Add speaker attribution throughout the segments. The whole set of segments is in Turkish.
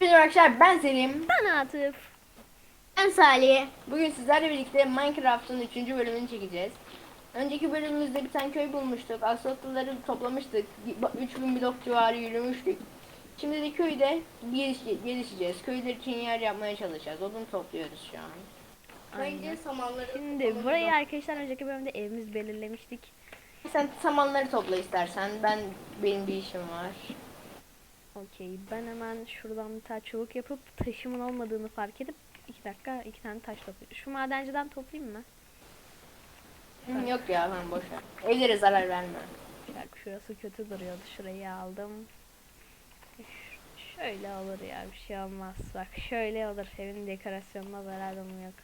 Speaker 1: Merhaba arkadaşlar, ben Selim.
Speaker 2: Ben Atıf.
Speaker 3: Ben Salih.
Speaker 1: Bugün sizlerle birlikte Minecraft'ın 3. bölümünü çekeceğiz. Önceki bölümümüzde bir tane köy bulmuştuk. Axolotluları toplamıştık. 3000 blok civarı yürümüştük. Şimdi de köyde gelişeceğiz. Köyler için yer yapmaya çalışacağız. Odun topluyoruz şu an.
Speaker 3: Bence samanları
Speaker 2: Şimdi burayı arkadaşlar önceki bölümde evimiz belirlemiştik.
Speaker 1: Sen samanları topla istersen. Benim bir işim var.
Speaker 2: Okey, ben hemen şuradan bir tane çubuk yapıp taşımın olmadığını fark edip 2 dakika 2 tane taş toplayayım. Şu madenciden toplayayım mı?
Speaker 1: Yok ya, ben boş ver. Evlere zarar verme.
Speaker 2: Bak şurası kötü duruyordu. Şurayı aldım. Şöyle olur ya, bir şey olmaz. Bak şöyle olur. Evin dekorasyonuna zararım yok.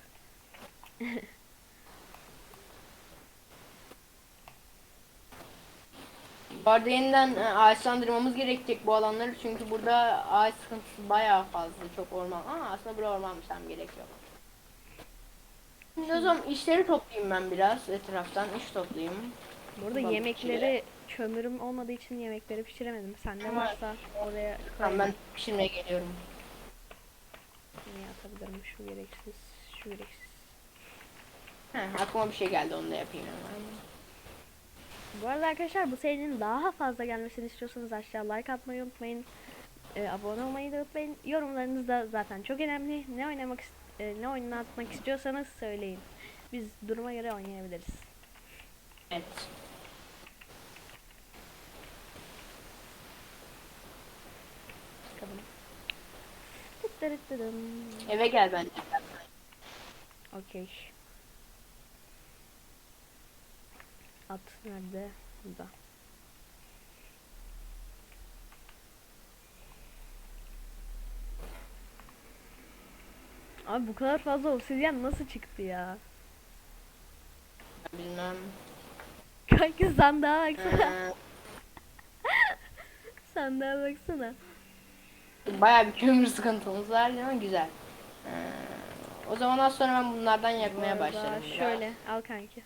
Speaker 1: Bu arada yeniden ağaçlandırmamız gerekecek bu alanları, çünkü burada ağaç sıkıntısı bayağı fazla, çok orman. Aslında buraya ormanmış, tam gerek yok. Şimdi o zaman işleri toplayayım, ben biraz etraftan iş toplayayım.
Speaker 2: Burada
Speaker 1: Balık
Speaker 2: yemekleri kömürüm olmadığı için yemekleri pişiremedim. Sende
Speaker 1: Ama-
Speaker 2: varsa oraya
Speaker 1: Tamam,
Speaker 2: koyayım.
Speaker 1: ben pişirmeye geliyorum.
Speaker 2: Ne atabilirim? Şu gereksiz, şu gereksiz.
Speaker 1: Aklıma bir şey geldi, onu da yapayım hemen.
Speaker 2: Bu arada arkadaşlar, bu serinin daha fazla gelmesini istiyorsanız aşağı like atmayı unutmayın. Abone olmayı da unutmayın. Yorumlarınız da zaten çok önemli. Ne oynatmak istiyorsanız söyleyin. Biz duruma göre oynayabiliriz.
Speaker 1: Evet.
Speaker 2: Bakalım. Tıttırıttırım.
Speaker 1: Eve gel bence.
Speaker 2: Okey. At nerede? Burada. Abi bu kadar fazla obsidyen nasıl çıktı ya?
Speaker 1: Bilmem.
Speaker 2: Kanka sandığa baksana.
Speaker 1: Ee,
Speaker 2: Sandığa baksana.
Speaker 1: Bayağı bir kömür sıkıntımız var ama güzel. O zaman az sonra ben bunlardan
Speaker 2: Bu
Speaker 1: yakmaya
Speaker 2: arada
Speaker 1: başlarım. biraz.
Speaker 2: şöyle al kanki.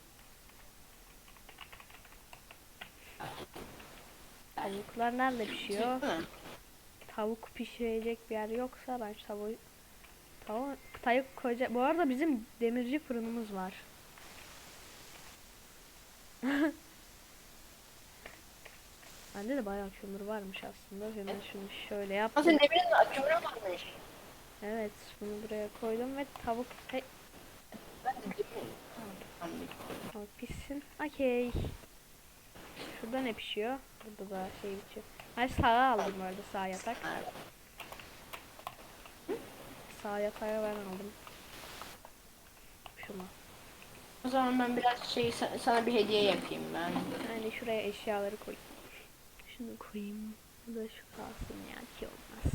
Speaker 2: Tavuklar nerede pişiyor?
Speaker 1: Değil mi?
Speaker 2: Tavuk pişirecek bir yer yoksa ben şu tavuk koyacak. Bu arada bizim demirci fırınımız var. Bende de bayağı kömür varmış aslında. Hemen şunu şöyle
Speaker 1: Ama
Speaker 2: yaptım.
Speaker 1: senin evinin kömürü varmış.
Speaker 2: Evet, bunu buraya koydum ve tavuk
Speaker 1: Tamam.
Speaker 2: tavuk pişsin. Okey. Şurada ne pişiyor? Burada da şey pişiyor. Ben sağa aldım bu arada, sağ yatak. Sağ yatağı ben aldım. Şunu.
Speaker 1: O zaman ben biraz sana bir hediye yapayım ben.
Speaker 2: Yani şuraya eşyaları koy. Şunu koyayım. Bu da şu kalsın ya, ki olmaz.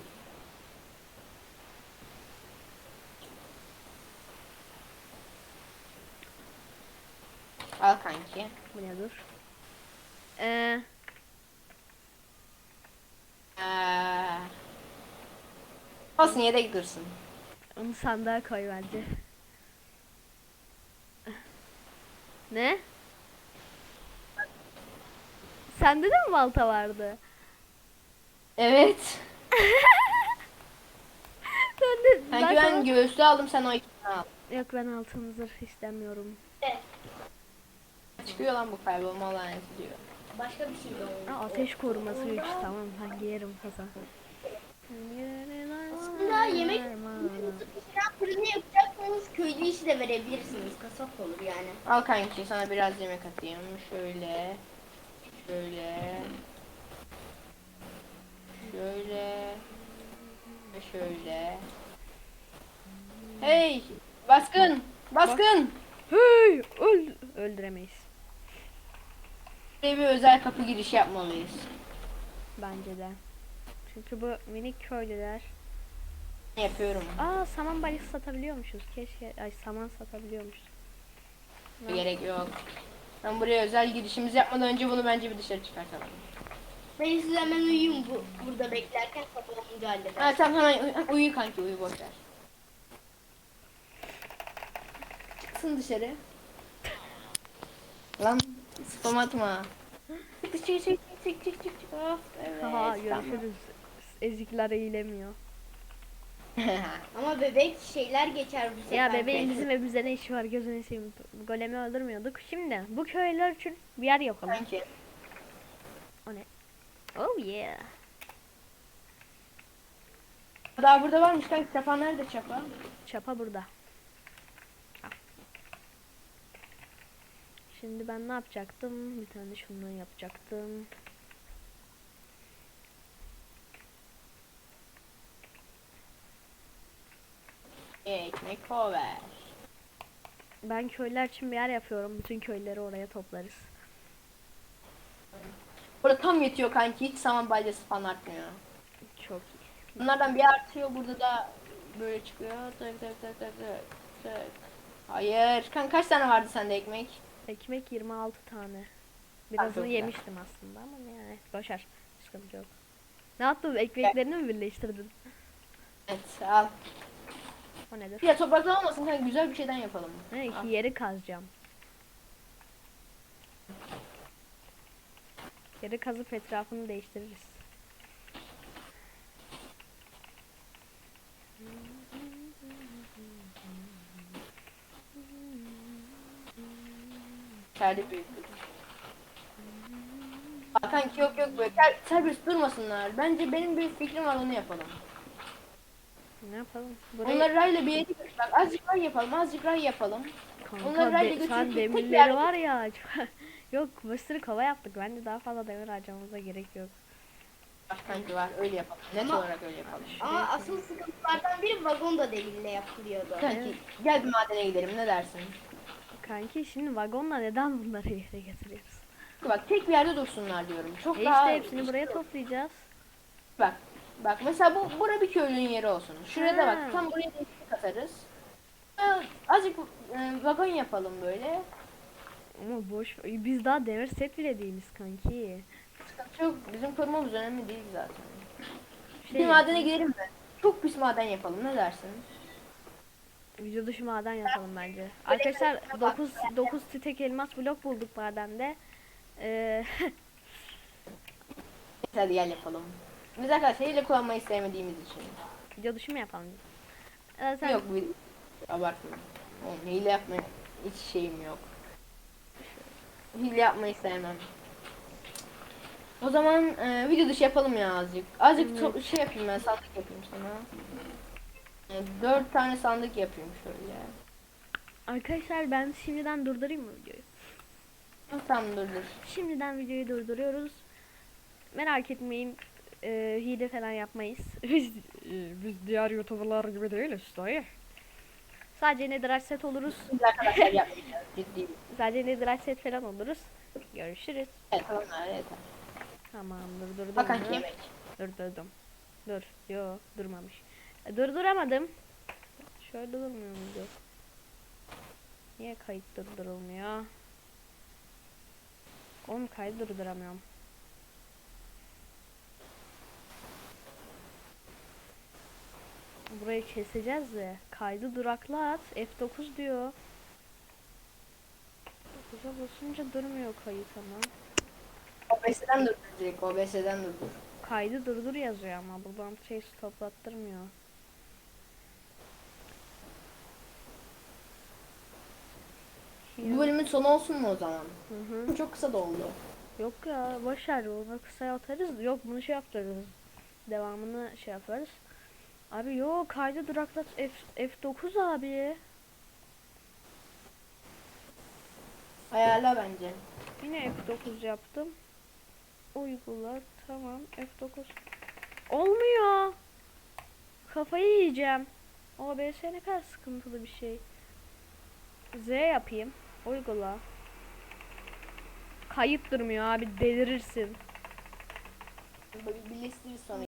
Speaker 1: Al kanki.
Speaker 2: Bu ne dur?
Speaker 1: Ee, Olsun, yedek dursun.
Speaker 2: Onu sandığa koy bence. Ne? Sende de mi balta vardı?
Speaker 1: Evet.
Speaker 2: Ben
Speaker 1: Kanki ben göğüslü aldım, sen o ikisini al.
Speaker 2: Yok, ben altın zırh istemiyorum.
Speaker 1: Çıkıyor lan bu kaybolma laneti diyor.
Speaker 3: Başka bir şey de oldu.
Speaker 2: Ateş koruması 3, tamam ben giyerim kasa.
Speaker 3: Aslında yemek pişiren fırını yapacaksanız köylü işi de verebilirsiniz. Kasap olur yani.
Speaker 1: Al kanki, sana biraz yemek atayım. Şöyle. Şöyle. Şöyle. Ve şöyle. Hey! Baskın! Baskın!
Speaker 2: Hey, öldüremeyiz.
Speaker 1: Buraya bir özel kapı girişi yapmalıyız.
Speaker 2: Bence de. Çünkü bu minik köylüler.
Speaker 1: Yapıyorum.
Speaker 2: Saman balisi satabiliyormuşuz. Keşke saman satabiliyormuşuz.
Speaker 1: Gerek yok. Ben buraya özel girişimizi yapmadan önce bunu bence bir dışarı çıkartalım.
Speaker 3: Ben size hemen uyuyayım burada beklerken sabah olunca hallederim.
Speaker 1: Ha tamam, hemen uyu kanki, uyu, boş ver. Çıksın dışarı. Lan spam atma. Çık. Of, evet,
Speaker 2: Haha,
Speaker 1: tamam.
Speaker 2: görüşürüz. Ezikler eğilemiyor.
Speaker 3: Ama bebek şeyler geçer bu sefer.
Speaker 2: Ya bebeğin bizim evimizde ne işi var, gözünü seveyim. Golemi öldürmüyorduk. Şimdi bu köyler için bir yer yapalım.
Speaker 1: Kanki.
Speaker 2: O ne? Oh yeah.
Speaker 1: Daha burada varmış kanki. Çapa nerede çapa?
Speaker 2: Çapa burada. Al. Şimdi ben ne yapacaktım? Bir tane şundan yapacaktım.
Speaker 1: Ekmek kover.
Speaker 2: Ben köyler için bir yer yapıyorum. Bütün köyleri oraya toplarız.
Speaker 1: Burada tam yetiyor kanki. Hiç saman balyası falan artmıyor.
Speaker 2: Çok iyi.
Speaker 1: Bunlardan bir artıyor. Burada da böyle çıkıyor. Tık tık tık tık tık tık. Hayır. Kanka kaç tane vardı sende ekmek?
Speaker 2: Ekmek 26 tane. Birazını
Speaker 1: çok güzel.
Speaker 2: yemiştim aslında ama yani boşver. Sıkıntı yok. Ne yaptın? Ekmeklerini mi birleştirdin?
Speaker 1: Evet al.
Speaker 2: O nedir?
Speaker 1: Ya topraklı olmasın kanka, güzel bir şeyden yapalım.
Speaker 2: Ne
Speaker 1: Al.
Speaker 2: ki yeri kazacağım. Yeri kazıp etrafını değiştiririz.
Speaker 1: İçeride büyüktür. Aa, kanki yok böyle serbest durmasınlar. Bence benim bir fikrim var, onu yapalım.
Speaker 2: Ne yapalım? Burayı
Speaker 1: Onları rayla bir yere götür. Bak azıcık ray yapalım, azıcık ray yapalım. Onları
Speaker 2: kanka
Speaker 1: rayla
Speaker 2: sen
Speaker 1: götürüp tek bir
Speaker 2: demirleri
Speaker 1: yerde-
Speaker 2: var ya. Yok bir sürü kova yaptık. Bence daha fazla demir harcamamıza gerek yok.
Speaker 1: Var kanki var, öyle yapalım. Net
Speaker 3: Ama-
Speaker 1: olarak öyle yapalım.
Speaker 3: Ama asıl sıkıntılardan biri vagon da demirle yapılıyordu.
Speaker 1: Kanki gel bir madene gidelim, ne dersin?
Speaker 2: Kanki şimdi vagonla neden bunları yere getiriyoruz?
Speaker 1: Bak tek bir yerde dursunlar diyorum. Çok
Speaker 2: E
Speaker 1: daha
Speaker 2: işte hepsini buraya toplayacağız.
Speaker 1: Bak mesela bura bir köylünün yeri olsun. Şuraya da
Speaker 2: Ha.
Speaker 1: bak, tam buraya da ekmek atarız. Azıcık vagon yapalım böyle.
Speaker 2: Ama boş biz daha demir set bile değiliz kanki.
Speaker 1: Sıkıntı yok. Bizim korumamız önemli değil zaten.
Speaker 2: Şey
Speaker 1: Bir madene gidelim mi? Çok pis maden yapalım, ne dersin?
Speaker 2: video dışı maden yapalım bence. Arkadaşlar 9 stek elmas blok bulduk madende.
Speaker 1: Hadi gel yapalım. Biz arkadaşlar hile kullanmayı sevmediğimiz için.
Speaker 2: Video dışı mı yapalım? Sen
Speaker 1: Yok bir abartma. Oğlum hile yapmaya hiç şeyim yok. Hile yapmayı sevmem. O zaman video dışı yapalım ya azıcık. Azıcık şey yapayım, ben sandık yapayım sana. 4 tane sandık yapayım şöyle.
Speaker 2: arkadaşlar ben şimdiden durdurayım mı videoyu?
Speaker 1: Tamam dur.
Speaker 2: Şimdiden videoyu durduruyoruz. Merak etmeyin. Hile falan yapmayız. Biz diğer youtuberlar gibi değiliz dayı. Sadece netherite set oluruz.
Speaker 1: Biz arkadaşlar yapmayacağız ciddi.
Speaker 2: Sadece netherite set falan oluruz. Görüşürüz.
Speaker 1: Evet tamam yeter.
Speaker 2: Tamam durdurdum.
Speaker 1: Hakan
Speaker 2: bunu.
Speaker 1: yemek.
Speaker 2: Durdurdum. Dur. Yo durmamış. Durduramadım. Şöyle durmuyor muydu? Niye kayıt durdurulmuyor? Oğlum kaydı durduramıyorum. Burayı keseceğiz de. Kaydı duraklat. F9 diyor. 9'a basınca durmuyor kayıt ama.
Speaker 1: OBS'den durdur direkt, OBS'den durdur.
Speaker 2: Kaydı durdur yazıyor ama buradan şey stoplattırmıyor.
Speaker 1: Bu bölümün sonu olsun mu o zaman?
Speaker 2: Hı hı.
Speaker 1: Çok kısa da oldu.
Speaker 2: Yok ya boşver onu kısa atarız. Yok bunu şey yaptırırız. Devamını şey yaparız. Abi yok kaydı duraklat F9 abi.
Speaker 1: Ayarla bence.
Speaker 2: Yine F9 yaptım. Uygula tamam F9. Olmuyor. Kafayı yiyeceğim. OBS ne kadar sıkıntılı bir şey. Z yapayım. Uygula. Kayıt durmuyor abi delirirsin.
Speaker 1: Birleştiririz sonra.